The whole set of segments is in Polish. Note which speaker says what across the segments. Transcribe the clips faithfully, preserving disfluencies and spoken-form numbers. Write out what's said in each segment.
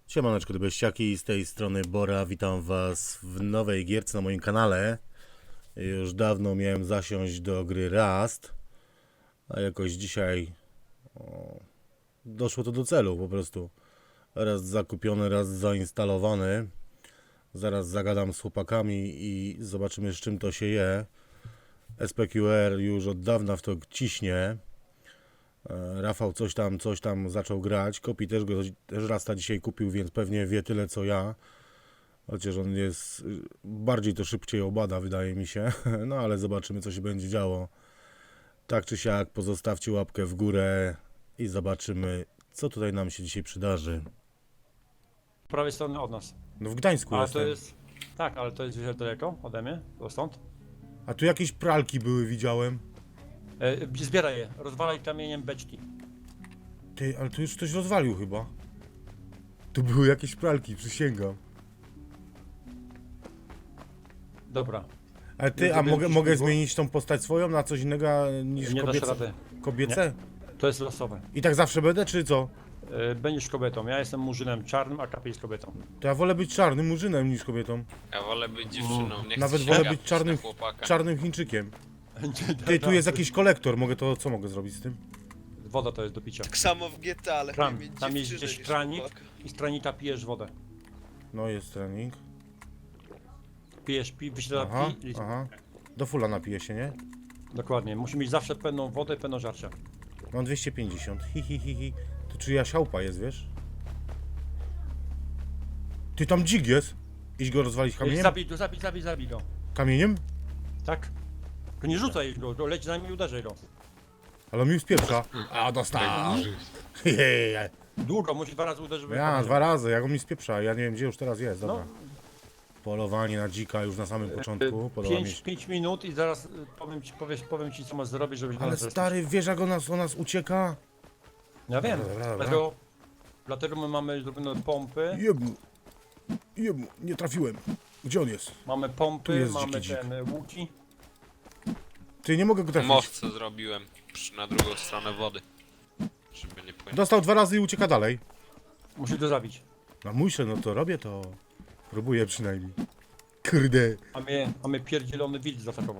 Speaker 1: Siemaneczko, dybeściaki, z tej strony Bora, witam was w nowej gierce na moim kanale. Już dawno miałem zasiąść do gry Rust, a jakoś dzisiaj o, doszło to do celu po prostu. Raz zakupiony, raz zainstalowany. Zaraz zagadam z chłopakami i zobaczymy, z czym to się je. S P Q R już od dawna w to ciśnie. Rafał coś tam, coś tam zaczął grać. Kopi też go też Rasta dzisiaj kupił, więc pewnie wie tyle co ja. Chociaż on jest bardziej to szybciej obada, wydaje mi się. No ale zobaczymy, co się będzie działo. Tak czy siak, pozostawcie łapkę w górę i zobaczymy, co tutaj nam się dzisiaj przydarzy.
Speaker 2: Z prawej strony od nas.
Speaker 1: No w Gdańsku
Speaker 2: Ale
Speaker 1: jestem.
Speaker 2: to jest. Tak, ale to jest gdzieś daleko ode mnie, to stąd.
Speaker 1: A tu jakieś pralki były, widziałem.
Speaker 2: E, zbieraj je, rozwalaj kamieniem beczki.
Speaker 1: Ty, ale tu już ktoś rozwalił chyba. Tu były jakieś pralki, przysięgam.
Speaker 2: Dobra.
Speaker 1: Ale ty,
Speaker 2: Ja
Speaker 1: a
Speaker 2: zrobię
Speaker 1: mogę,
Speaker 2: jakiś
Speaker 1: mogę
Speaker 2: śmigło.
Speaker 1: zmienić tą postać swoją na coś innego niż
Speaker 2: Nie dasz
Speaker 1: kobiece?
Speaker 2: rady.
Speaker 1: Kobiece?
Speaker 2: To jest losowe.
Speaker 1: I tak zawsze będę, czy co?
Speaker 2: E, będziesz kobietą. Ja jestem murzynem czarnym, a Kapi jest kobietą.
Speaker 1: To ja wolę być czarnym murzynem niż kobietą.
Speaker 3: Ja wolę być dziewczyną, nie chcę
Speaker 1: Nawet
Speaker 3: się
Speaker 1: wolę
Speaker 3: gapić
Speaker 1: być czarnym,
Speaker 3: na chłopaka.
Speaker 1: czarnym Chińczykiem. Ty, tu jest jakiś kolektor, mogę to, co mogę zrobić z tym?
Speaker 2: Woda to jest do picia.
Speaker 4: Tak samo w G T A, ale
Speaker 2: Kran.
Speaker 4: lepiej mieć
Speaker 2: Tam jest
Speaker 4: dziewczynę
Speaker 2: gdzieś
Speaker 4: niż
Speaker 2: kranik
Speaker 4: chłopaka.
Speaker 2: i z kranika pijesz wodę.
Speaker 1: No jest trening.
Speaker 2: Pijesz, pi, wyślada
Speaker 1: Aha,
Speaker 2: pi i...
Speaker 1: aha. Do fula napiję się, nie?
Speaker 2: Dokładnie. Musi mieć zawsze pełną wodę i pełną żarcia.
Speaker 1: Mam dwieście pięćdziesiąt. Hi, hi, hi, hi. To czyja siałpa jest, wiesz? Ty, tam dzik jest. Idź go rozwalić kamieniem?
Speaker 2: Zabij go, zabij, zabij, zabij go.
Speaker 1: Kamieniem?
Speaker 2: Tak? To nie rzucaj go, to leć za nim i uderzaj go.
Speaker 1: Ale on mi spieprza. A, dostał. Hehehe.
Speaker 2: Długo, musi dwa razy uderzyć. żeby
Speaker 1: Ja,
Speaker 2: kamieniem.
Speaker 1: dwa razy, jak on mi spieprza. Ja nie wiem, gdzie już teraz jest, dobra.
Speaker 2: No.
Speaker 1: Polowanie na dzika już na samym początku. Podoba mi się.
Speaker 2: pięć minut i zaraz y, powiem ci, powiesz, powiem ci co masz zrobić, żebyś
Speaker 1: Ale
Speaker 2: nas zrespić.
Speaker 1: stary, wiesz jak on nas, on nas ucieka?
Speaker 2: Ja wiem,
Speaker 1: Dobra, dobra, dobra.
Speaker 2: dlatego, dlatego my mamy zrobione pompy,
Speaker 1: Jebmu. Jebmu, nie trafiłem. Gdzie on jest?
Speaker 2: mamy
Speaker 1: Tu
Speaker 2: pompy,
Speaker 1: jest
Speaker 2: mamy
Speaker 1: dziki dzik.
Speaker 2: ten y, łuki.
Speaker 1: Ty, nie mogę go trafić.
Speaker 3: Mowce zrobiłem przy- na drugą stronę wody. Żeby nie płynąć.
Speaker 1: Dostał dwa razy i ucieka dalej.
Speaker 2: Musisz go zabić.
Speaker 1: No muszę, no to robię to. Próbuję przynajmniej. Kurde.
Speaker 2: A mnie, a mnie pierdzielony wilk zaatakował.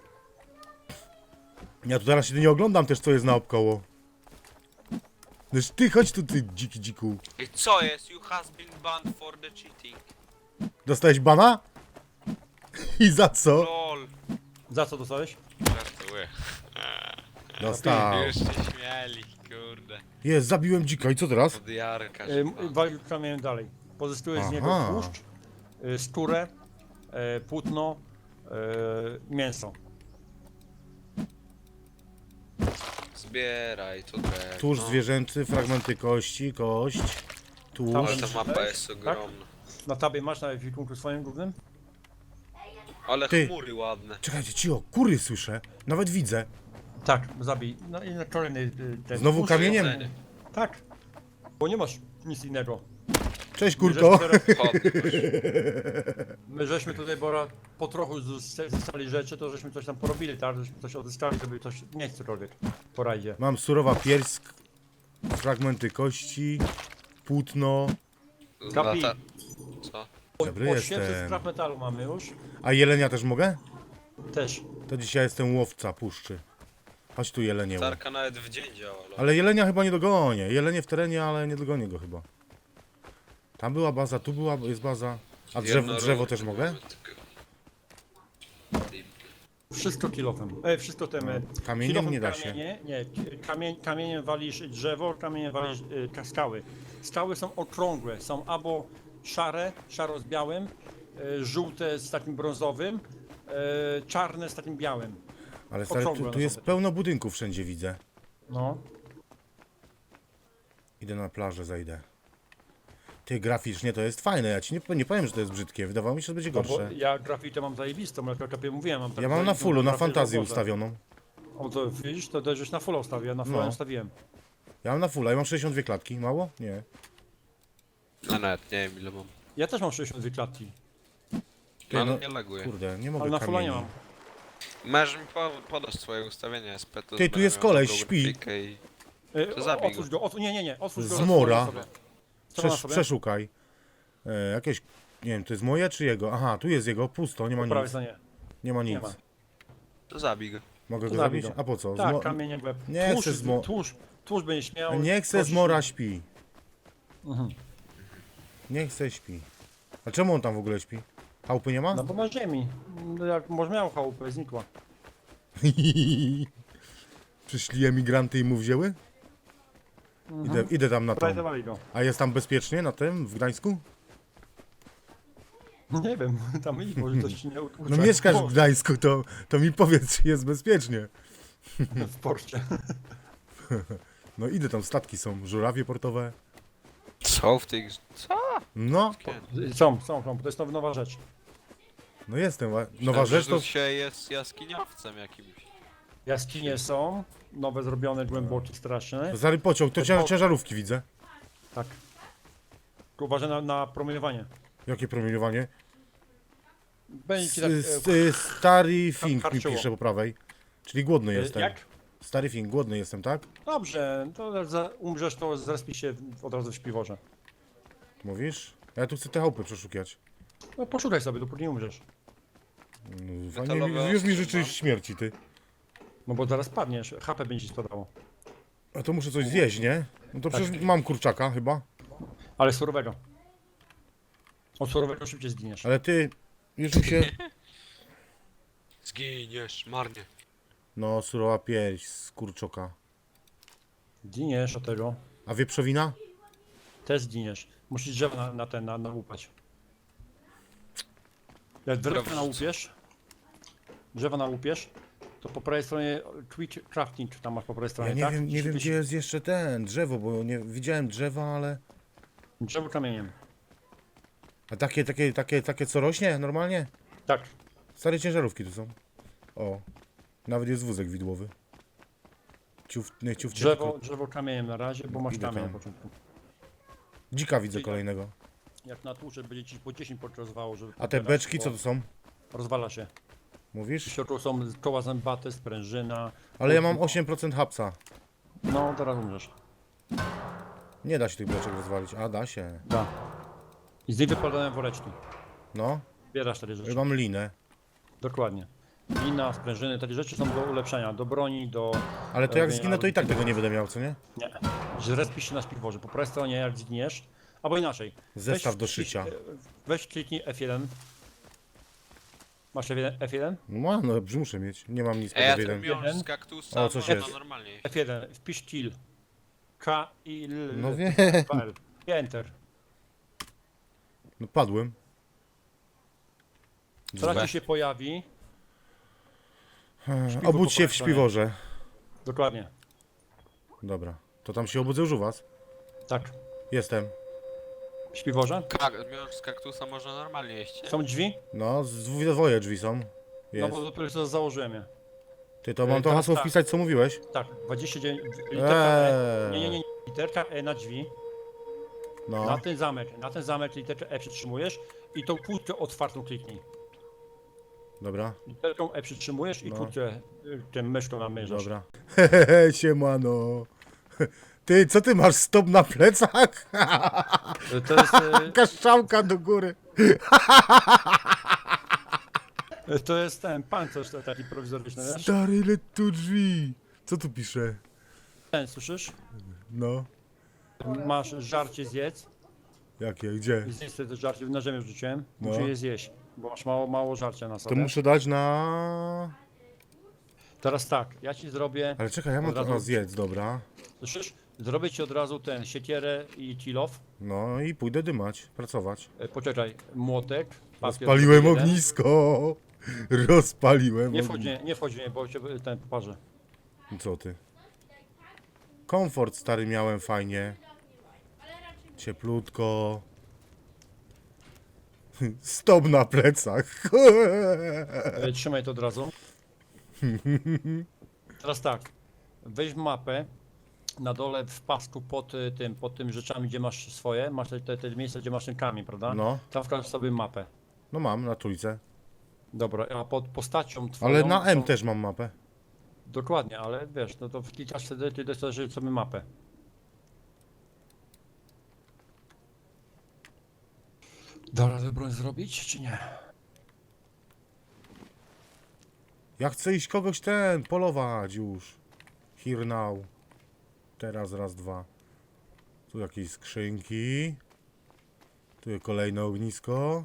Speaker 1: Ja tu teraz się nie oglądam też, co jest naokoło. Noż ty, chodź tu, ty dziki dziku.
Speaker 3: I co jest? You has been banned for the cheating.
Speaker 1: Dostałeś bana? I za co?
Speaker 3: LOL.
Speaker 2: Za co dostałeś?
Speaker 3: Żartuję.
Speaker 1: Dostał.
Speaker 3: Już się śmieli, kurde.
Speaker 1: Jest, zabiłem dzika i co teraz?
Speaker 3: Od Jarka
Speaker 2: Y,
Speaker 3: się
Speaker 2: m-
Speaker 3: pan.
Speaker 2: Walił kamieniem dalej. Pozyskuje z niego
Speaker 1: Aha.
Speaker 2: tłuszcz, y, skórę, y, płótno, y, mięso.
Speaker 3: Zbieraj to drewno.
Speaker 1: Tłuszcz zwierzęcy, fragmenty kości, kość,
Speaker 3: Ale
Speaker 1: tłuszcz.
Speaker 3: ta mapa jest
Speaker 2: Tak?
Speaker 3: ogromna.
Speaker 2: Na tabie masz na wikunku swoim głównym?
Speaker 3: Ale
Speaker 1: Ty.
Speaker 3: chmury ładne.
Speaker 1: Czekajcie, cio, kury słyszę. Nawet widzę.
Speaker 2: Tak, zabij. No i na kolejny y, ten
Speaker 1: Znowu
Speaker 2: tłuszcz.
Speaker 1: kamieniem?
Speaker 3: Jedzenie.
Speaker 2: Tak. Bo nie masz nic innego.
Speaker 1: Cześć,
Speaker 2: My
Speaker 1: kurko.
Speaker 2: żeśmy teraz-
Speaker 3: Chodź,
Speaker 2: My żeśmy tutaj, Bora, po trochu zostali rzeczy, to żeśmy coś tam porobili, tak? Żeśmy coś odzyskali, żeby coś, nie cokolwiek po rajdzie.
Speaker 1: Mam surowa pierś, fragmenty kości, płótno.
Speaker 2: Kapi.
Speaker 3: Lata... Co?
Speaker 1: Dobry
Speaker 2: ośmset
Speaker 1: jestem.
Speaker 2: skrap metalu mamy już.
Speaker 1: A jelenia też mogę?
Speaker 2: Też.
Speaker 1: To dzisiaj jestem łowca puszczy. Chodź tu jelenie.
Speaker 3: Tarka nawet w dzień działa. lol.
Speaker 1: Ale jelenia chyba nie dogonię. Jelenie w terenie, ale nie dogonię go chyba. Tam była baza, tu była, jest baza. A drzewo,
Speaker 3: Jedno
Speaker 1: drzewo
Speaker 3: ruch
Speaker 1: też mogę?
Speaker 3: mamy tylko.
Speaker 2: Wszystko kilofem. E, wszystko tym. e,
Speaker 1: Kamieniem
Speaker 2: kilofem
Speaker 1: nie da się.
Speaker 2: kamienie, Nie, ki- kamień, kamieniem walisz drzewo, kamieniem walisz y, ka- skały. Skały są okrągłe, są albo szare, szaro z białym, y, żółte z takim brązowym, y, czarne z takim białym.
Speaker 1: Ale stary, tu,
Speaker 2: Okrągłe
Speaker 1: tu
Speaker 2: one
Speaker 1: jest
Speaker 2: są.
Speaker 1: pełno budynków wszędzie widzę.
Speaker 2: No.
Speaker 1: Idę na plażę, zajdę. Ty, graficznie to jest fajne, ja ci nie, nie powiem, że to jest brzydkie. Wydawało mi się, że będzie
Speaker 2: No bo
Speaker 1: gorsze.
Speaker 2: ja grafitę mam zajebistą, jak kapie mówiłem. Mam tak
Speaker 1: Ja mam na
Speaker 2: zajebistą
Speaker 1: fullu, na
Speaker 2: grafikę, że
Speaker 1: fantazję
Speaker 2: Boże.
Speaker 1: ustawioną.
Speaker 2: O to widzisz, to też już na fulla ustawię, ja na fulla
Speaker 1: No.
Speaker 2: ustawiłem.
Speaker 1: Ja mam na fulla i mam sześćdziesiąt dwie klatki. Mało? Nie.
Speaker 3: No nawet nie wiem ile mam.
Speaker 2: Ja też mam sześćdziesiąt dwie klatki,
Speaker 1: Ty,
Speaker 3: No, ale
Speaker 1: no,
Speaker 3: nie laguje.
Speaker 1: Kurde, nie
Speaker 2: ale
Speaker 1: mogę
Speaker 2: na fulla nie
Speaker 1: kamieni.
Speaker 2: mam.
Speaker 3: Możesz mi po, podać swoje ustawienia S P. to
Speaker 1: Ty, tu
Speaker 3: będę
Speaker 1: jest
Speaker 3: miał
Speaker 1: koleś,
Speaker 3: dobrą
Speaker 1: śpi.
Speaker 3: grafikę I...
Speaker 2: E,
Speaker 3: To
Speaker 2: o-
Speaker 3: zabij
Speaker 2: Otwórz
Speaker 3: go.
Speaker 2: go, otwórz, nie, nie, nie, otwórz go.
Speaker 1: Zmora.
Speaker 2: rozwal sobie. Co ma na
Speaker 1: Przesz,
Speaker 2: sobie?
Speaker 1: przeszukaj. E, jakieś, nie wiem, to jest moje czy jego? Aha, tu jest jego, pusto, nie ma
Speaker 2: Po prawej
Speaker 1: nic.
Speaker 2: stronie.
Speaker 1: Nie ma
Speaker 2: Nie
Speaker 1: nic.
Speaker 2: ma.
Speaker 3: To zabij go.
Speaker 1: Mogę
Speaker 2: To
Speaker 1: go
Speaker 2: zabij
Speaker 1: zabić?
Speaker 2: go.
Speaker 1: A po co?
Speaker 2: Tak,
Speaker 1: Zmo...
Speaker 2: kamieniem w łeb.
Speaker 1: Nie
Speaker 2: tłuszcz,
Speaker 1: chcę zmo-
Speaker 2: tłuszcz, tłuszcz będzie śmiał.
Speaker 1: Nie chcę,
Speaker 2: kości-
Speaker 1: zmora śpi.
Speaker 2: Mhm.
Speaker 1: Nie chcę śpi. A czemu on tam w ogóle śpi? Chałupy nie ma?
Speaker 2: No bo ma ziemi. No jak może miał chałupę, znikła.
Speaker 1: Przyszli emigranty i mu wzięły? Idę, idę tam na to.
Speaker 2: Prajdowali go.
Speaker 1: A jest tam bezpiecznie na tym, w Gdańsku?
Speaker 2: Nie wiem, tam idź, może coś ci nie utłucze.
Speaker 1: No mieszkasz w
Speaker 2: Może
Speaker 1: Gdańsku, to, to mi powiedz, czy jest bezpiecznie.
Speaker 2: w porcie.
Speaker 1: No idę tam, statki są, żurawie portowe.
Speaker 3: Co w tych... Co?
Speaker 1: No,
Speaker 2: Są, są, są, to jest nowa, nowa rzecz.
Speaker 1: no jestem. wa- Nowa
Speaker 3: Myślałem,
Speaker 1: rzecz
Speaker 3: że
Speaker 1: to...
Speaker 3: tu się jest jaskiniowcem jakimś.
Speaker 2: Jaskinie są, nowe zrobione, głębokie, straszne.
Speaker 1: Zary pociąg, to cię- ciężarówki widzę.
Speaker 2: Tak. Tylko uważaj na, na promieniowanie.
Speaker 1: Jakie promieniowanie?
Speaker 2: Będzie ci
Speaker 1: S,
Speaker 2: tak...
Speaker 1: s, stary Fink mi
Speaker 2: harczyło.
Speaker 1: pisze po prawej. Czyli głodny
Speaker 2: e,
Speaker 1: jestem.
Speaker 2: Jak?
Speaker 1: Stary Fink, głodny jestem, tak?
Speaker 2: Dobrze, to za, umrzesz, to zrespisz się w- od razu w śpiworze.
Speaker 1: Mówisz? Ja tu chcę te chałupy przeszukać.
Speaker 2: No poszukaj sobie, dopóki nie umrzesz.
Speaker 1: No, fajnie,
Speaker 3: Metalowe
Speaker 1: już mi
Speaker 3: ostrze
Speaker 1: życzysz
Speaker 3: mam.
Speaker 1: śmierci, ty.
Speaker 2: No bo zaraz padniesz, H P będzie ci spadało.
Speaker 1: A to muszę coś zjeść, nie? No to przecież mam kurczaka chyba.
Speaker 2: Ale surowego. Od surowego szybciej zginiesz.
Speaker 1: Ale ty, już mi się...
Speaker 3: Zginiesz, marnie.
Speaker 1: No, surowa pierś z kurczoka.
Speaker 2: Zginiesz od tego.
Speaker 1: A wieprzowina?
Speaker 2: Też zginiesz. Musisz drzewo na, na ten, na, nałupać. Jak drewno
Speaker 3: Dobrze.
Speaker 2: nałupiesz, drzewo nałupiesz, to po prawej stronie Twitch Crafting tam masz po prawej stronie,
Speaker 1: Ja nie
Speaker 2: tak?
Speaker 1: wiem, nie wiem
Speaker 2: Gdzieś-
Speaker 1: gdzie jest jeszcze ten, drzewo, bo nie widziałem drzewa, ale...
Speaker 2: Drzewo kamieniem.
Speaker 1: A takie, takie, takie, takie co rośnie normalnie?
Speaker 2: Tak.
Speaker 1: Stare ciężarówki tu są. O, nawet jest wózek widłowy. Ciuf, nie, ciuf,
Speaker 2: Drzewo, drzewo kamieniem na razie, bo masz
Speaker 1: Idę
Speaker 2: kamień na
Speaker 1: tam.
Speaker 2: początku.
Speaker 1: Dzika widzę
Speaker 2: Czyli-
Speaker 1: kolejnego.
Speaker 2: Jak na tłucze będzie ci po dziesięć podrozwało, żeby...
Speaker 1: A te
Speaker 2: pobierać,
Speaker 1: beczki
Speaker 2: bo
Speaker 1: co to są?
Speaker 2: Rozwala się. W
Speaker 1: Mówisz?
Speaker 2: środku są koła zębate, sprężyna.
Speaker 1: Ale ja mam osiem procent hapsa.
Speaker 2: No, teraz umrzesz.
Speaker 1: Nie da się tych beczek rozwalić. A, da się.
Speaker 2: Da. I z niej wypadają woreczki.
Speaker 1: No,
Speaker 2: Zbierasz takie rzeczy.
Speaker 1: mam linę.
Speaker 2: Dokładnie. Lina, sprężyny, takie rzeczy są do ulepszenia, do broni, do...
Speaker 1: Ale to jak
Speaker 2: robienia-
Speaker 1: zginę, to i tak tego nie będę miał, co nie?
Speaker 2: Nie. Zrespisz się na śpiworze. Po prawej stronie jak zginiesz, albo inaczej.
Speaker 1: Zestaw
Speaker 2: Weź
Speaker 1: do
Speaker 2: klik-
Speaker 1: szycia.
Speaker 2: Weź kliknij F jeden. Masz F jeden? F jeden?
Speaker 1: No, no dobrze, muszę mieć. Nie mam nic pod
Speaker 3: Ej, ja
Speaker 1: jeden.
Speaker 3: ten miąższ
Speaker 2: Jeden.
Speaker 3: z kaktusa,
Speaker 1: O, coś
Speaker 3: można
Speaker 1: jest.
Speaker 3: normalnie.
Speaker 2: F jeden. Wpisz kill. K I L.
Speaker 1: No wiem.
Speaker 2: L. I enter.
Speaker 1: No padłem.
Speaker 2: Zaraz
Speaker 3: Złe.
Speaker 2: ci się pojawi. Śpiwór
Speaker 1: Obudź
Speaker 2: po
Speaker 1: się w
Speaker 2: prawej stronie.
Speaker 1: śpiworze.
Speaker 2: Dokładnie.
Speaker 1: Dobra. To tam się obudzę już u was?
Speaker 2: Tak.
Speaker 1: Jestem.
Speaker 2: W śpiworze?
Speaker 3: Kak miąższ z kaktusa można normalnie jeść. nie?
Speaker 2: Są drzwi?
Speaker 1: No, z dwoje drzwi są.
Speaker 2: No
Speaker 1: Jest.
Speaker 2: bo dopiero co założyłem je.
Speaker 1: Ty to mam to
Speaker 2: teraz
Speaker 1: hasło
Speaker 2: tak.
Speaker 1: wpisać, co mówiłeś?
Speaker 2: Tak, dwadzieścia dziewięć. Literka E.
Speaker 1: Eee.
Speaker 2: Nie, nie, nie. nie. Literka E na drzwi. Na
Speaker 1: No,
Speaker 2: ten zamek, na ten zamek literkę E przytrzymujesz i tą kłódkę otwartą kliknij.
Speaker 1: dobra,
Speaker 2: Literką E przytrzymujesz i
Speaker 1: No.
Speaker 2: kłódkę y, tym myszką namierzasz.
Speaker 1: dobra. Hehehe, siemano. Ty, co ty masz, stop na plecach?
Speaker 2: Y, To jest, y,
Speaker 1: Kaszczałka do góry.
Speaker 2: y, to jest ten pancerz to taki prowizoryczny, wiesz?
Speaker 1: Stary, ile tu drzwi? Co tu pisze?
Speaker 2: Ten, słyszysz?
Speaker 1: No,
Speaker 2: Masz żarcie zjedz.
Speaker 1: jakie, gdzie?
Speaker 2: I zjedz sobie to żarcie, na ziemię rzuciłem.
Speaker 1: No.
Speaker 2: Musisz je zjeść, bo masz mało, mało żarcia na
Speaker 1: To
Speaker 2: sobie.
Speaker 1: muszę dać na...
Speaker 2: Teraz tak, ja ci zrobię,
Speaker 1: Ale czekaj, ja mam
Speaker 2: Od
Speaker 1: to
Speaker 2: razu-
Speaker 1: na zjedz, dobra.
Speaker 2: słyszysz? Zrobię ci od razu ten siekierę i kilof.
Speaker 1: No i pójdę dymać, pracować.
Speaker 2: Y, Poczekaj, młotek. papier
Speaker 1: Rozpaliłem
Speaker 2: jeden.
Speaker 1: ognisko. Rozpaliłem
Speaker 2: Nie
Speaker 1: ognisko.
Speaker 2: wchodź, nie, nie wchodź, nie, bo cię y, ten poparzę.
Speaker 1: Co ty? Komfort stary miałem fajnie. Cieplutko. Stop na plecach.
Speaker 2: E, Trzymaj to od razu. Teraz tak. Weź mapę. Na dole w pasku pod y, tym, pod tym rzeczami, gdzie masz swoje, masz te, te, te miejsca, gdzie masz ten kamień, prawda?
Speaker 1: No,
Speaker 2: Tam wkaż sobie mapę.
Speaker 1: no mam na trójce.
Speaker 2: Dobra, a pod postacią twoją...
Speaker 1: Ale na M
Speaker 2: są-
Speaker 1: też mam mapę.
Speaker 2: Dokładnie, ale wiesz, no to klikasz wtedy, ty dostajesz sobie mapę. Da radę broń zrobić, czy nie?
Speaker 1: Ja chcę iść kogoś ten, polować już. Here now. Teraz raz, dwa. Tu jakieś skrzynki. Tu jest kolejne ognisko.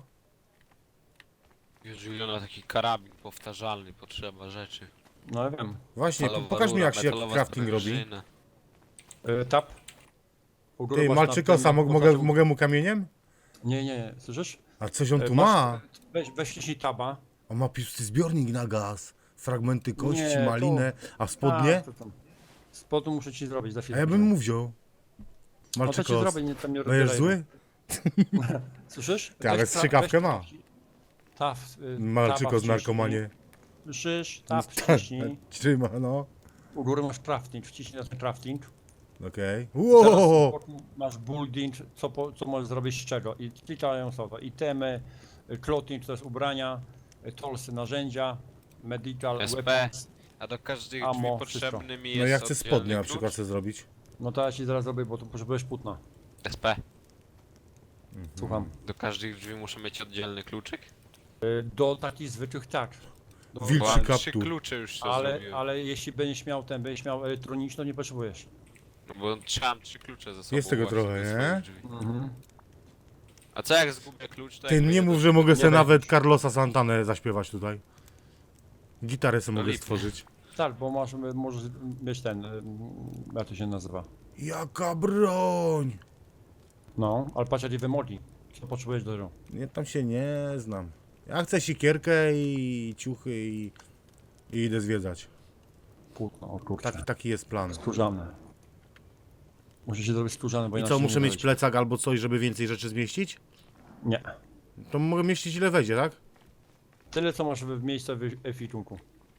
Speaker 3: Już wygląda taki karabin powtarzalny, potrzeba rzeczy.
Speaker 2: No ja wiem.
Speaker 1: Właśnie,
Speaker 3: Metalowa
Speaker 1: pokaż mi
Speaker 3: rura,
Speaker 1: jak się
Speaker 3: metalowa
Speaker 1: crafting robi.
Speaker 3: sprężyna.
Speaker 2: Y, tap. U góry
Speaker 1: Ty,
Speaker 2: masz
Speaker 1: Malczykosa,
Speaker 2: tam-
Speaker 1: mo- mogę, mogę mu kamieniem?
Speaker 2: Nie, nie, nie, słyszysz?
Speaker 1: A coś on
Speaker 2: Y,
Speaker 1: tu
Speaker 2: masz-
Speaker 1: ma?
Speaker 2: Weź, weź wciśnij taba.
Speaker 1: On ma pusty zbiornik na gaz. Fragmenty kości,
Speaker 2: Nie, to-
Speaker 1: malinę. A spodnie?
Speaker 2: A, to tam. Spodu muszę ci zrobić za
Speaker 1: A
Speaker 2: chwilę.
Speaker 1: ja bym mu wziął.
Speaker 2: No to ci
Speaker 1: Malczykos.
Speaker 2: zrobię, nie, tam nie
Speaker 1: Będziesz
Speaker 2: rozbieraj.
Speaker 1: zły?
Speaker 2: Słyszysz?
Speaker 1: Ty, ale
Speaker 2: Weź
Speaker 1: strzykawkę
Speaker 2: tra-
Speaker 1: ma.
Speaker 2: weź- Taf, y,
Speaker 1: Malczyko
Speaker 2: taba
Speaker 1: z narkomanie.
Speaker 2: wciśnij. Słyszysz? Taf,
Speaker 1: Tak,
Speaker 2: wciśnij.
Speaker 1: trzyma, no.
Speaker 2: U góry masz crafting, wciśnij na ten crafting.
Speaker 1: Okej.
Speaker 2: Teraz
Speaker 1: Wow!
Speaker 2: boku masz building, co, po, co możesz zrobić z czego. I klikają są to itemy, y, clothing to jest ubrania, y, tolsy narzędzia, medical,
Speaker 3: S P.
Speaker 2: weapons.
Speaker 3: A do każdych
Speaker 2: Amo,
Speaker 3: drzwi potrzebny mi jest
Speaker 1: No ja chcę
Speaker 3: oddzielny
Speaker 1: spodnie na
Speaker 3: klucz.
Speaker 1: przykład chcę zrobić.
Speaker 2: No to ja ci zaraz zrobię, bo tu potrzebujesz płótna.
Speaker 3: S P.
Speaker 2: Słucham.
Speaker 3: Do każdych drzwi muszę mieć oddzielny kluczyk?
Speaker 2: Y, Do takich zwykłych tak. Do,
Speaker 1: Wilczy
Speaker 3: Bo mam trzy
Speaker 1: kaptur.
Speaker 3: klucze już to
Speaker 2: ale,
Speaker 3: zrobiłem.
Speaker 2: ale jeśli będziesz miał ten, będziesz miał elektroniczny, to nie potrzebujesz.
Speaker 3: No bo trzymam trzy klucze ze sobą.
Speaker 1: Jest tego
Speaker 3: właśnie
Speaker 1: trochę,
Speaker 3: do
Speaker 1: nie?
Speaker 3: swoich drzwi. A co jak zgubię klucz, to
Speaker 1: Ty
Speaker 3: jak
Speaker 1: nie
Speaker 3: wyjdę
Speaker 1: mów,
Speaker 3: do-
Speaker 1: że mogę
Speaker 2: nie
Speaker 1: sobie
Speaker 2: weźmiesz.
Speaker 1: nawet Carlosa Santanę zaśpiewać tutaj. Gitarę sobie
Speaker 3: No
Speaker 1: mogę
Speaker 3: lipnie.
Speaker 1: stworzyć.
Speaker 2: Tak, bo masz, możesz mieć ten, y, jak to się nazywa.
Speaker 1: Jaka broń!
Speaker 2: No, ale patrz jak wymoli. Co potrzebujesz do tego?
Speaker 1: Nie, tam się nie znam. Ja chcę sikierkę i ciuchy i, i idę zwiedzać.
Speaker 2: Płótno, o kurczę.
Speaker 1: Taki, taki jest plan.
Speaker 2: Skórzane. Muszę się zrobić skórzane, bo
Speaker 1: I
Speaker 2: inaczej
Speaker 1: co,
Speaker 2: nie
Speaker 1: muszę mieć
Speaker 2: dojdzie.
Speaker 1: plecak albo coś, żeby więcej rzeczy zmieścić?
Speaker 2: Nie.
Speaker 1: To mogę mieścić ile wejdzie, tak?
Speaker 2: Tyle co masz w miejscu w efitunku.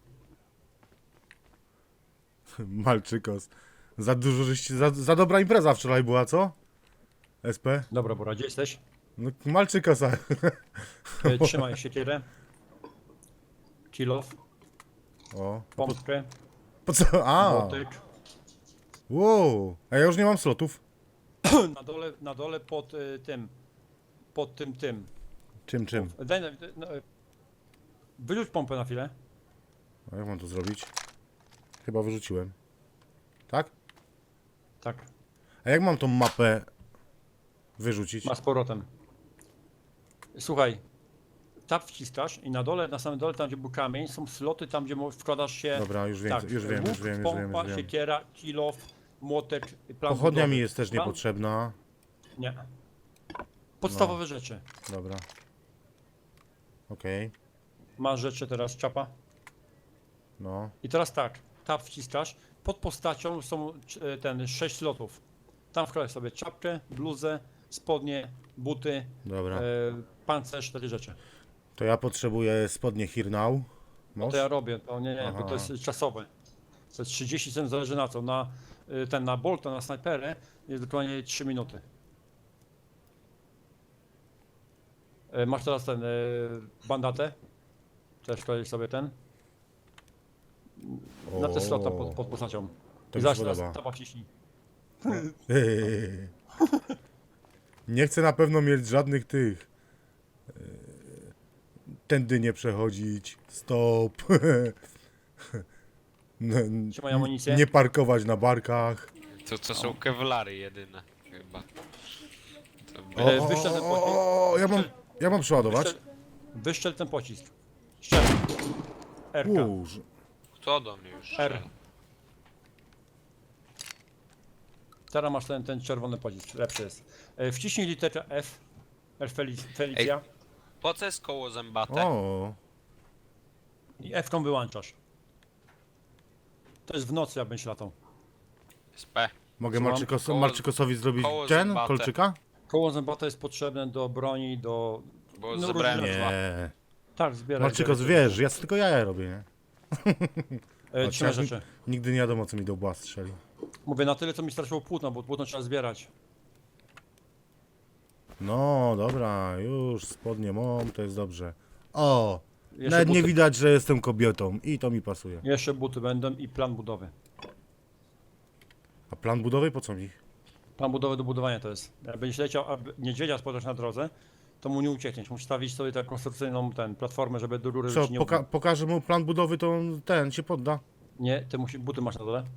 Speaker 1: Malczykos. Za dużo żeście, za, za dobra impreza wczoraj była, co? S P?
Speaker 2: Dobra, Bora, gdzie jesteś?
Speaker 1: No, Malczykosa.
Speaker 2: E, Trzymaj siekierę. Kilof,
Speaker 1: O.
Speaker 2: pompkę,
Speaker 1: Po co? A!
Speaker 2: młotek.
Speaker 1: Wow! A ja już nie mam slotów.
Speaker 2: Na dole, na dole pod y, tym. Pod tym, tym.
Speaker 1: Czym, czym?
Speaker 2: Daj, na- no, y, wyrzuć pompę na chwilę.
Speaker 1: A jak mam to zrobić? Chyba wyrzuciłem. Tak?
Speaker 2: Tak,
Speaker 1: A jak mam tą mapę wyrzucić?
Speaker 2: ma z powrotem. Słuchaj, tab wciskasz i na dole, na samym dole, tam gdzie był kamień, są sloty tam, gdzie mo- wkładasz się.
Speaker 1: Dobra, już wiem,
Speaker 2: tak,
Speaker 1: już wiem,
Speaker 2: łuk,
Speaker 1: już wiem, już
Speaker 2: pompa,
Speaker 1: wiem, już wiem.
Speaker 2: siekiera, kilof, młotek, plan
Speaker 1: Pochodnia
Speaker 2: budowy.
Speaker 1: mi jest też
Speaker 2: Plan-
Speaker 1: niepotrzebna.
Speaker 2: Nie. Podstawowe rzeczy.
Speaker 1: Dobra. Okej.
Speaker 2: Masz rzeczy teraz, czapa.
Speaker 1: No.
Speaker 2: I teraz tak, tab wciskasz, pod postacią są e, ten sześć slotów. Tam wkładasz sobie czapkę, bluzę, spodnie, buty,
Speaker 1: Dobra.
Speaker 2: e, pancerz, cztery rzeczy.
Speaker 1: To ja potrzebuję spodnie here now.
Speaker 2: No
Speaker 1: Moż?
Speaker 2: to ja robię, to nie, nie, bo
Speaker 1: Aha.
Speaker 2: to jest czasowe. To jest trzydzieści sekund, zależy na co. Na e, ten, na bolta, na snajperę jest dokładnie trzy minuty. E, Masz teraz ten, e, bandatę. Też kładziesz sobie ten. Na te slota pod, pod postacią.
Speaker 1: To
Speaker 2: I
Speaker 1: mi się
Speaker 2: zaraz teraz
Speaker 1: podoba.
Speaker 2: taba wciśnij.
Speaker 1: Nie chcę na pewno mieć żadnych tych. e, Tędy nie przechodzić. Stop. N-
Speaker 2: Trzymaj amunicję.
Speaker 1: Nie parkować na barkach.
Speaker 3: To, to są kewlary jedyne, chyba. To
Speaker 1: O,
Speaker 3: by...
Speaker 1: o,
Speaker 2: wyszedł ten
Speaker 1: o,
Speaker 2: pocisk.
Speaker 1: o, ja mam, ja mam przeładować.
Speaker 2: Wyszczel, wyszczel ten pocisk. Strzel. R K.
Speaker 1: Uż.
Speaker 3: Kto do mnie już
Speaker 2: R.
Speaker 3: strzela?
Speaker 2: Teraz masz ten, ten czerwony pocisk, lepszy jest. E, Wciśnij literę F. F Felic- Felicia.
Speaker 3: Po co jest koło zębate?
Speaker 1: O.
Speaker 2: I F-ką wyłączasz. To jest w nocy, jak będziesz latał.
Speaker 3: S P.
Speaker 1: Mogę
Speaker 2: Słucham?
Speaker 1: Marczykos,
Speaker 3: Koło-
Speaker 1: Marczykosowi zrobić
Speaker 3: koło
Speaker 1: ten?
Speaker 3: zębate.
Speaker 1: Kolczyka?
Speaker 2: Koło zębata jest potrzebne do broni, do...
Speaker 3: Bo
Speaker 2: No,
Speaker 3: zebrałem
Speaker 2: różne-
Speaker 3: dwa.
Speaker 1: Nie.
Speaker 2: Tak, zbieraj.
Speaker 1: Marczykos,
Speaker 2: zbieraj.
Speaker 1: wiesz, ja tylko jaja robię, nie?
Speaker 2: E, Trzymaj
Speaker 1: Chociaż
Speaker 2: rzeczy.
Speaker 1: nigdy nie wiadomo, co mi do łba strzeli.
Speaker 2: Mówię na tyle, co mi straciło płótno, bo płótno trzeba zbierać.
Speaker 1: No, dobra, już spodnie mam, to jest dobrze. O!
Speaker 2: Jeszcze
Speaker 1: Nawet nie
Speaker 2: buty.
Speaker 1: widać, że jestem kobietą i to mi pasuje.
Speaker 2: Jeszcze buty będą i plan budowy.
Speaker 1: A plan budowy po co mi?
Speaker 2: Plan budowy do budowania to jest. Jak będziesz leciał, a niedźwiedzia spotkasz na drodze, to mu nie uciekniesz. Musisz stawić sobie tę konstrukcyjną ten, platformę, żeby do góry
Speaker 1: Co,
Speaker 2: ci nie
Speaker 1: poka pokażę mu plan budowy, to on, ten się podda.
Speaker 2: Nie, ty musi, buty masz na dole.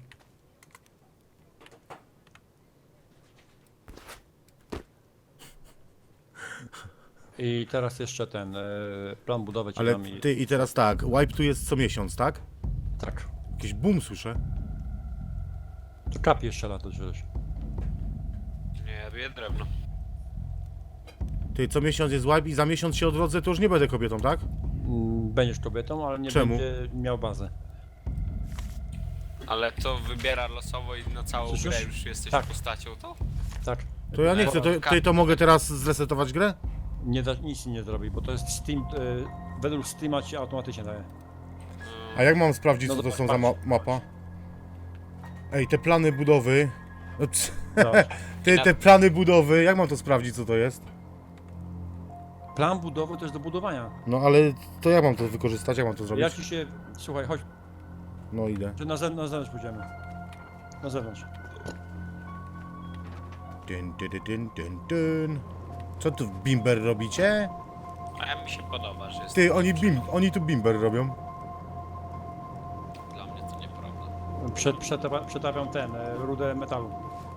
Speaker 2: I teraz jeszcze ten e, plan budowy ci
Speaker 1: Ale
Speaker 2: dam i...
Speaker 1: ty i teraz tak, wipe tu jest co miesiąc, tak?
Speaker 2: Tak.
Speaker 1: Jakiś boom słyszę.
Speaker 2: To kap jeszcze lato żeś.
Speaker 3: Nie, ja robię drewno.
Speaker 1: Ty, co miesiąc jest wipe i za miesiąc się odrodzę, to już nie będę kobietą, tak?
Speaker 2: Mm, Będziesz kobietą, ale nie
Speaker 1: Czemu?
Speaker 2: będzie miał bazę.
Speaker 3: Ale to wybiera losowo i na całą
Speaker 2: Słyszysz?
Speaker 3: grę już jesteś
Speaker 2: Tak.
Speaker 3: postacią, to?
Speaker 2: Tak.
Speaker 1: To ja nie chcę, to, ty to mogę teraz zresetować grę?
Speaker 2: Nie da, nic ci nie zrobi, bo to jest Steam, e, według Steama ci automatycznie daje.
Speaker 1: A jak mam sprawdzić,
Speaker 2: No
Speaker 1: co to
Speaker 2: to
Speaker 1: są za ma
Speaker 2: patrz.
Speaker 1: mapa? Ej, te plany budowy... No, ps-
Speaker 2: Zobacz.
Speaker 1: Ty, te plany budowy, jak mam to sprawdzić, co to jest?
Speaker 2: Plan budowy to jest do budowania.
Speaker 1: No ale to jak mam to wykorzystać, jak mam to zrobić?
Speaker 2: Ja ci się... Słuchaj, chodź,
Speaker 1: No idę.
Speaker 2: czy na, ze, na zewnątrz pójdziemy. Na zewnątrz.
Speaker 1: Dyn, dyn, dyn, dyn, dyn, dyn. Co tu bimber robicie?
Speaker 3: A mi się podoba, że jest.
Speaker 1: Ty, oni, bim, oni tu bimber robią.
Speaker 3: Dla mnie to nieprawda.
Speaker 2: Przed, przetapa, przetapiam ten, e, rudę metalu.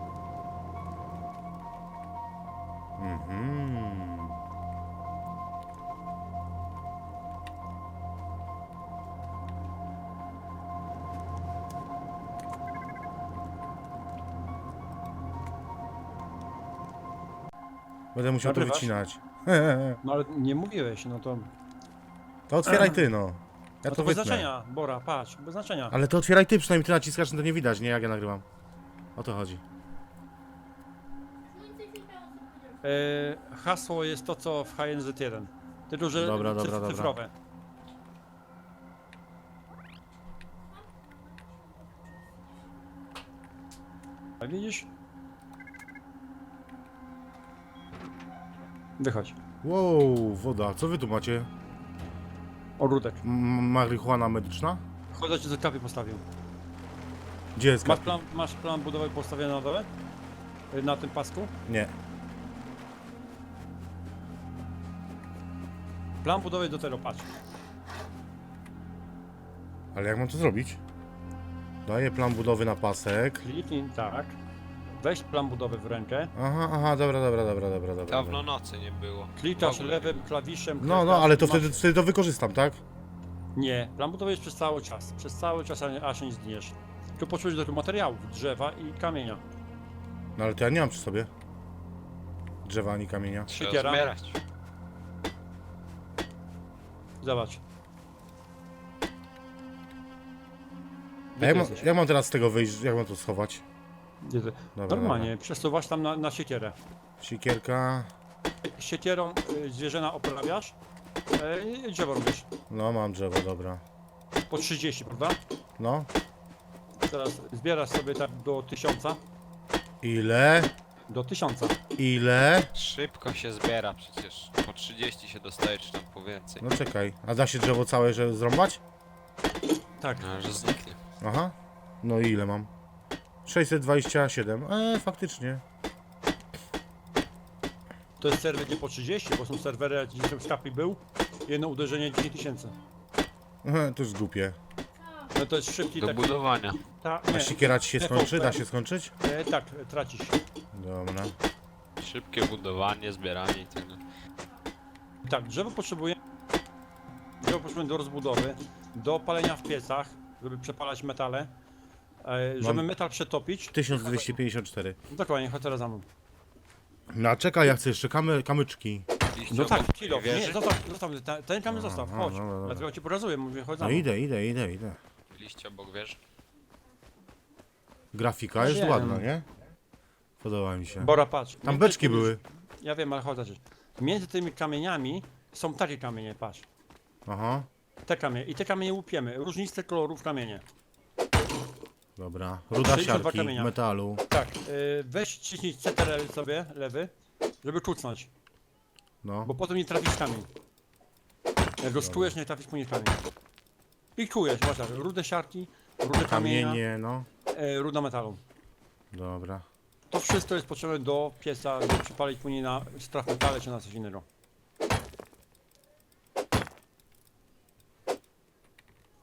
Speaker 1: Mhm. Będę musiał to
Speaker 2: Nagrywasz?
Speaker 1: wycinać.
Speaker 2: No ale nie mówiłeś, no to...
Speaker 1: To otwieraj ty, no. Ja
Speaker 2: No
Speaker 1: to
Speaker 2: to bez
Speaker 1: wytnę.
Speaker 2: znaczenia, Bora, patrz, bez znaczenia.
Speaker 1: Ale to otwieraj ty, przynajmniej ty naciskasz, no to nie widać, nie jak ja nagrywam. O to chodzi.
Speaker 2: E, hasło jest to, co w H N Z jeden. Tylko, że
Speaker 1: Dobra, dobra,
Speaker 2: cyf-
Speaker 1: dobra.
Speaker 2: cyfrowe. A widzisz? Wychodź.
Speaker 1: Wow, woda. Co wy tu macie?
Speaker 2: Ogródek.
Speaker 1: M marihuana medyczna?
Speaker 2: Chodź, ci do kapy postawił.
Speaker 1: Gdzie jest
Speaker 2: Masz
Speaker 1: kapi?
Speaker 2: plan, masz plan budowy postawiony na dole? Y, Na tym pasku?
Speaker 1: Nie.
Speaker 2: Plan budowy do tego, patrz.
Speaker 1: Ale jak mam to zrobić? Daję plan budowy na pasek.
Speaker 2: Kliknij tak. Weź plan budowy w rękę.
Speaker 1: Aha, aha, dobra, dobra, dobra, dobra, dobra.
Speaker 3: Dawno nocy nie było.
Speaker 2: Klikasz
Speaker 3: W ogóle.
Speaker 2: lewym klawiszem.
Speaker 1: No, no,
Speaker 2: klikasz,
Speaker 1: ale to
Speaker 2: masz-
Speaker 1: wtedy, wtedy to wykorzystam, tak?
Speaker 2: Nie, plan budowy jest przez cały czas. Przez cały czas, a nie- aż nie zginiesz. Tu potrzebujesz do tych materiałów, drzewa i kamienia.
Speaker 1: No ale to ja nie mam przy sobie. Drzewa ani kamienia.
Speaker 3: Trzeba
Speaker 2: Siekiera.
Speaker 3: zbierać.
Speaker 2: Zobacz.
Speaker 1: A
Speaker 2: Gdzie
Speaker 1: jak,
Speaker 2: ty
Speaker 1: mam,
Speaker 2: jesteś?
Speaker 1: jak mam teraz z tego wyjść, jak mam to schować?
Speaker 2: Gdzie ty?
Speaker 1: Dobra,
Speaker 2: Normalnie, przesuwasz tam na, na siekierę.
Speaker 1: Sikierka.
Speaker 2: Siekierą y, zwierzęta oprawiasz y, i drzewo robisz.
Speaker 1: No, mam drzewo, dobra.
Speaker 2: Po trzydzieści, prawda?
Speaker 1: No.
Speaker 2: Teraz zbierasz sobie tak do tysiąca.
Speaker 1: Ile?
Speaker 2: Do tysiąca.
Speaker 1: Ile?
Speaker 3: Szybko się zbiera przecież. Po trzydzieści się dostaje, czy tam po więcej.
Speaker 1: No czekaj. A da się drzewo całe że zrąbać?
Speaker 2: Tak.
Speaker 3: No, że zniknie.
Speaker 1: Aha. No i ile mam? sześćset dwadzieścia siedem. Eee, faktycznie.
Speaker 2: To jest serwer nie po trzydzieści, bo są serwery, jak gdzieś w sklepie był. Jedno uderzenie dziesięć tysięcy.
Speaker 1: Ehe, to już głupie.
Speaker 2: No to jest szybki
Speaker 3: Do
Speaker 2: taki...
Speaker 3: budowania.
Speaker 2: Ta,
Speaker 1: A
Speaker 2: nie,
Speaker 1: sikiera ci się
Speaker 2: T V
Speaker 1: skończy?
Speaker 2: P.
Speaker 1: Da się skończyć?
Speaker 2: e, tak, tracisz.
Speaker 1: Dobra.
Speaker 3: Szybkie budowanie, zbieranie i tak dalej.
Speaker 2: Tak, drzewo potrzebuje... Drzewo potrzebuje do rozbudowy, do palenia w piecach, żeby przepalać metale. E, żeby
Speaker 1: Mam-
Speaker 2: metal przetopić.
Speaker 1: tysiąc dwieście pięćdziesiąt cztery.
Speaker 2: Dokładnie, chodź teraz za mną.
Speaker 1: No a czekaj, ja chcę jeszcze kamy, kamyczki.
Speaker 3: Liście
Speaker 2: No tak,
Speaker 3: obok
Speaker 2: kilo,
Speaker 3: wieży?
Speaker 2: nie, zostaw, zostaw, ten, ten kamień zostaw,
Speaker 1: Aha,
Speaker 2: chodź.
Speaker 1: dobra, dobra.
Speaker 2: Dlatego ci pokazuję, mówię, chodź za
Speaker 1: No
Speaker 2: mną.
Speaker 1: idę, idę, idę, idę.
Speaker 3: Liście obok wieży?
Speaker 1: Grafika jest
Speaker 2: Wiem.
Speaker 1: ładna, nie? Podoba mi się.
Speaker 2: Bora, patrz.
Speaker 1: Tam
Speaker 2: Między
Speaker 1: beczki
Speaker 2: tymi-
Speaker 1: były.
Speaker 2: Ja wiem, ale chodź zobaczyć. Między tymi kamieniami są takie kamienie, patrz.
Speaker 1: Aha.
Speaker 2: Te kamienie. I te kamienie łupiemy. Różniste kolorów kamienie.
Speaker 1: Dobra. Ruda
Speaker 2: sześćdziesiąt dwa
Speaker 1: siarki,
Speaker 2: kamienia.
Speaker 1: metalu.
Speaker 2: Tak, yy, weź ciśnij C T R L sobie, lewy, żeby kucnąć,
Speaker 1: No.
Speaker 2: bo potem nie trafisz w kamień. Jak go skujesz, nie trafisz później w kamień. I kujesz, masz tak, rude siarki, rude kamienia,
Speaker 1: Kamienie, no.
Speaker 2: e, ruda metalu.
Speaker 1: Dobra.
Speaker 2: To wszystko jest potrzebne do pieca, żeby przypalić później na strach metale czy na coś innego.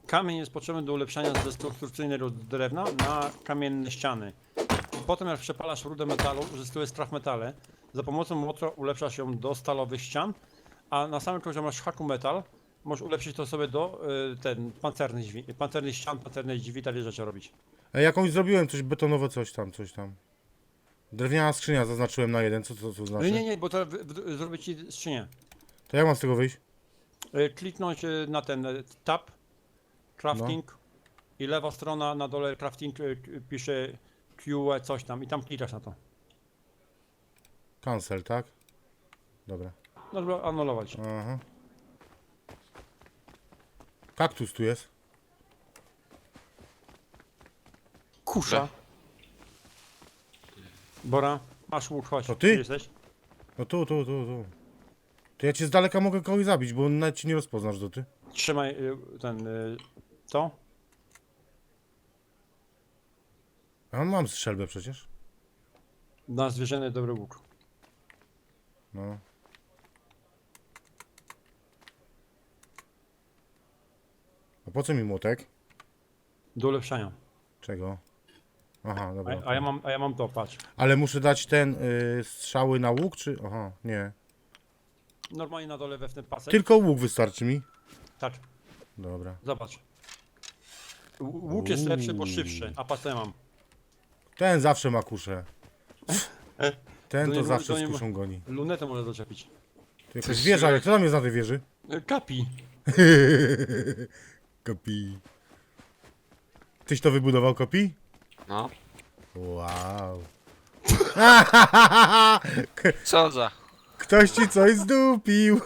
Speaker 2: Kamień jest potrzebny do ulepszania ze konstrukcyjnego drewna na kamienne ściany. Potem jak przepalasz rudę metalu, uzyskujesz strach metale. Za pomocą motora ulepszasz ją do stalowych ścian, a na samym końcu masz haku metal. Możesz ulepszyć to sobie do y, ten pancernych, drzwi, pancernych ścian, pancernych drzwi, takie rzeczy robić.
Speaker 1: Ej, jakąś zrobiłem, coś betonowe, coś tam, coś tam. Drewniana skrzynia zaznaczyłem na jeden, co to, co znaczy?
Speaker 2: Nie, nie, nie, bo to w, w, zrobię ci skrzynię.
Speaker 1: To jak mam z tego wyjść?
Speaker 2: Y, Kliknąć y, na ten y, tab, crafting i lewa strona na dole crafting y, k- pisze Q E coś tam i tam klikasz na to.
Speaker 1: Cancel, tak? Dobra.
Speaker 2: No żeby anulować.
Speaker 1: Aha. Kaktus tu jest.
Speaker 2: Kusza. Bora, masz łuk, chodź.
Speaker 1: To ty?
Speaker 2: Gdzie jesteś?
Speaker 1: No tu, tu, tu, tu. To ja cię z daleka mogę kogoś zabić, bo nawet cię nie rozpoznasz, do ty.
Speaker 2: Trzymaj y, ten, y, to.
Speaker 1: A mam strzelbę przecież.
Speaker 2: Na zwierzęny dobry łuk.
Speaker 1: No. A po co mi młotek?
Speaker 2: Do ulepszania.
Speaker 1: Czego? Aha,
Speaker 2: A,
Speaker 1: dobra.
Speaker 2: a, ja, mam, a ja mam to, patrz.
Speaker 1: Ale muszę dać ten y, strzały na łuk, czy? Aha, nie.
Speaker 2: Normalnie na dole wewnętrzny pasek.
Speaker 1: Tylko łuk wystarczy mi.
Speaker 2: Tak,
Speaker 1: Dobra.
Speaker 2: zobacz. Ł- Łuk jest lepszy, bo szybszy, a pas co ja mam.
Speaker 1: Ten zawsze ma kuszę. Ten
Speaker 2: To
Speaker 1: to
Speaker 2: nie-
Speaker 1: zawsze
Speaker 2: to
Speaker 1: z
Speaker 2: nie ma-
Speaker 1: kuszą goni.
Speaker 2: Lunetę może doczepić.
Speaker 1: To jakaś wieża, ale kto tam jest na tej wieży?
Speaker 2: Y, Kapi.
Speaker 1: Kopi. Tyś to wybudował, Kopi?
Speaker 3: No.
Speaker 1: Wow.
Speaker 3: Co za...
Speaker 1: Ktoś ci coś zdupił.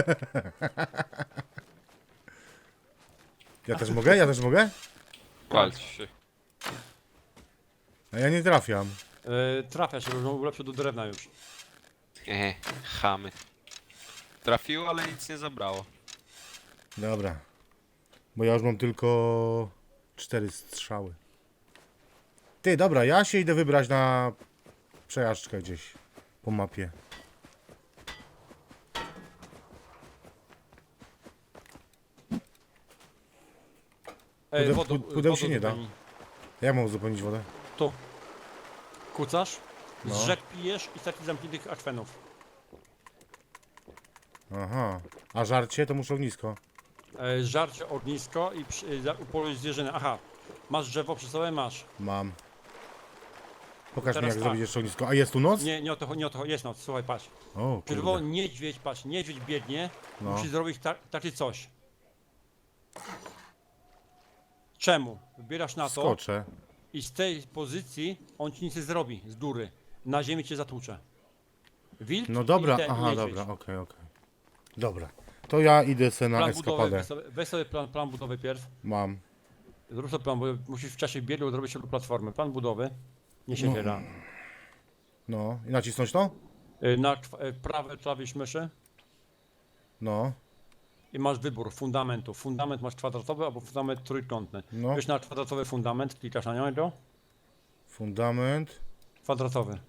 Speaker 1: Ja też mogę? Ja też mogę?
Speaker 3: Walcz się.
Speaker 1: A ja nie trafiam.
Speaker 2: Y, trafia się, bo ulepszył do drewna już.
Speaker 3: Ehe, chamy. Trafiło, ale nic nie zabrało.
Speaker 1: Dobra. Bo ja już mam tylko cztery strzały. Ty, dobra, ja się idę wybrać na przejażdżkę gdzieś po mapie.
Speaker 2: Ej,
Speaker 1: Pude-
Speaker 2: wodą-
Speaker 1: pu- pudeł się
Speaker 2: wodą
Speaker 1: nie da.
Speaker 2: zupełnie.
Speaker 1: Jak mam uzupełnić wodę?
Speaker 2: Tu. Kucasz,
Speaker 1: No.
Speaker 2: z rzek pijesz i z takich zamkniętych akwenów.
Speaker 1: Aha. A żarcie to muszę ognisko.
Speaker 2: E, żarcie, ognisko i przy- za- upoluj zwierzynę. Aha, masz drzewo przy sobie? Masz.
Speaker 1: Mam. Pokaż mi
Speaker 2: Teraz
Speaker 1: jak
Speaker 2: tak.
Speaker 1: zrobić jeszcze ognisko. A jest tu noc?
Speaker 2: Nie, nie o to, nie o to, jest noc, słuchaj, patrz.
Speaker 1: O,
Speaker 2: Czerwono
Speaker 1: kurde.
Speaker 2: niedźwiedź, patrz, niedźwiedź biegnie,
Speaker 1: No.
Speaker 2: musi zrobić ta, takie coś. Czemu? Wybierasz na to
Speaker 1: Skoczę.
Speaker 2: i z tej pozycji on ci nic nie zrobi, z góry. Na ziemi cię zatłucze. Wilk
Speaker 1: No
Speaker 2: i
Speaker 1: dobra,
Speaker 2: ten
Speaker 1: aha,
Speaker 2: niedźwiedź.
Speaker 1: dobra, okej, okej. Dobra. To ja idę se na
Speaker 2: Plan budowy,
Speaker 1: eskapadę.
Speaker 2: weź sobie, weź sobie plan, plan budowy pierw.
Speaker 1: Mam.
Speaker 2: Zrób sobie plan, bo musisz w czasie biegu zrobić sobie platformę. Plan budowy, nie się
Speaker 1: No.
Speaker 2: wiera.
Speaker 1: No. I nacisnąć to?
Speaker 2: Y, Na kw- y, prawy klawisz myszy
Speaker 1: No.
Speaker 2: i masz wybór fundamentu. Fundament masz kwadratowy albo fundament trójkątny.
Speaker 1: No.
Speaker 2: Wiesz na kwadratowy fundament, klikasz na niego.
Speaker 1: Fundament.
Speaker 2: Kwadratowy.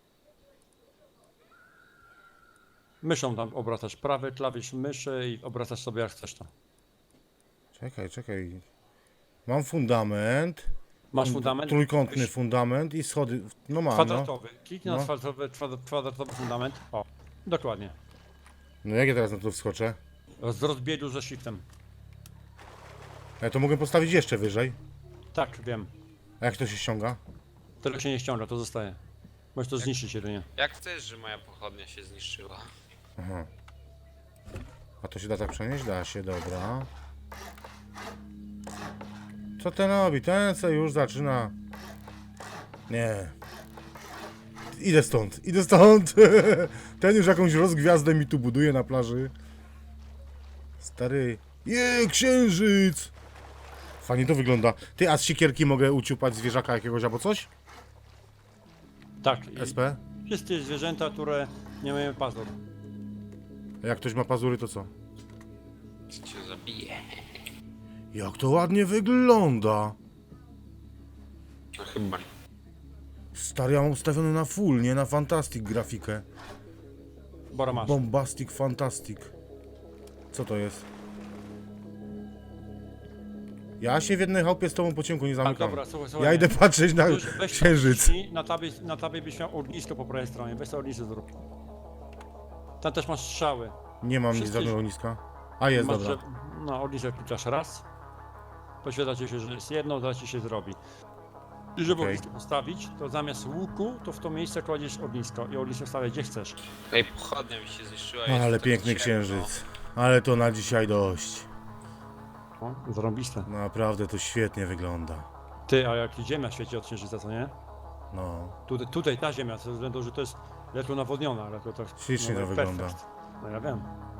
Speaker 2: Myszą tam obracasz prawy klawisz myszy i obracasz sobie jak chcesz to.
Speaker 1: Czekaj, czekaj. Mam fundament.
Speaker 2: Masz fundament?
Speaker 1: Trójkątny
Speaker 2: Mysz-
Speaker 1: fundament i schody. No mam, no.
Speaker 2: Kwadratowy. Kliknij
Speaker 1: No.
Speaker 2: na kwadratowy, kwadra- kwadratowy fundament. O, dokładnie.
Speaker 1: No jak ja teraz na to wskoczę?
Speaker 2: Z rozbiegu ze shiftem.
Speaker 1: Ja to mogę postawić jeszcze wyżej.
Speaker 2: Tak, wiem.
Speaker 1: A jak to się ściąga?
Speaker 2: Tego się nie ściąga, to zostaje. Możesz to zniszczyć jedynie.
Speaker 3: Jak chcesz, że moja pochodnia się zniszczyła?
Speaker 1: Aha. A to się da tak przenieść? Da się, dobra. Co ten robi? Ten co już zaczyna. Nie. Idę stąd, idę stąd. Ten już jakąś rozgwiazdę mi tu buduje na plaży. Stary. Je, księżyc! Fajnie to wygląda. Ty, a z siekierki mogę uciupać zwierzaka jakiegoś albo coś?
Speaker 2: Tak. i
Speaker 1: S P?
Speaker 2: Wszystkie zwierzęta, które nie mają pazur.
Speaker 1: A jak ktoś ma pazury, to co?
Speaker 3: Co cię zabije?
Speaker 1: Jak to ładnie wygląda.
Speaker 3: No chyba nie.
Speaker 1: Stary, ja mam ustawiony na full, nie na fantastic grafikę.
Speaker 2: Bora masz.
Speaker 1: Bombastic fantastic. Co to jest? Ja się w jednej chałupie z tobą po ciemku nie
Speaker 2: A
Speaker 1: zamykam.
Speaker 2: dobra, słuchaj, słuchaj.
Speaker 1: Ja idę patrzeć na
Speaker 2: Już weź
Speaker 1: księżyc.
Speaker 2: tam Na tabie, na tabie byś miał ognisko po prawej stronie, weź sobie ognisko zrób. Tam też masz strzały.
Speaker 1: Nie mam nic
Speaker 2: Wszyscy-
Speaker 1: żadnego ogniska. A jest,
Speaker 2: masz,
Speaker 1: dobra.
Speaker 2: że- No, ognisko klikasz raz. Poświadcza ci się, że jest jedno, zaraz ci się zrobi. I żeby
Speaker 1: Okej.
Speaker 2: ognisko postawić, to zamiast łuku, to w to miejsce kładziesz ognisko i ognisko stawiaj gdzie chcesz.
Speaker 3: Ej, pochodnia mi się zniszczyła.
Speaker 1: No,
Speaker 3: jest
Speaker 1: ale
Speaker 3: tak
Speaker 1: piękny
Speaker 3: ciemno.
Speaker 1: księżyc. Ale to na dzisiaj dość.
Speaker 2: O, zarąbiste.
Speaker 1: Naprawdę to świetnie wygląda.
Speaker 2: Ty, a jak ziemia świeci od księżyca, co nie?
Speaker 1: No,
Speaker 2: Tutaj, tutaj ta ziemia, ze względu, że to jest ledwo nawodniona, ale to tak...
Speaker 1: Ślicznie to
Speaker 2: no,
Speaker 1: wygląda.
Speaker 2: perfekt. No ja wiem.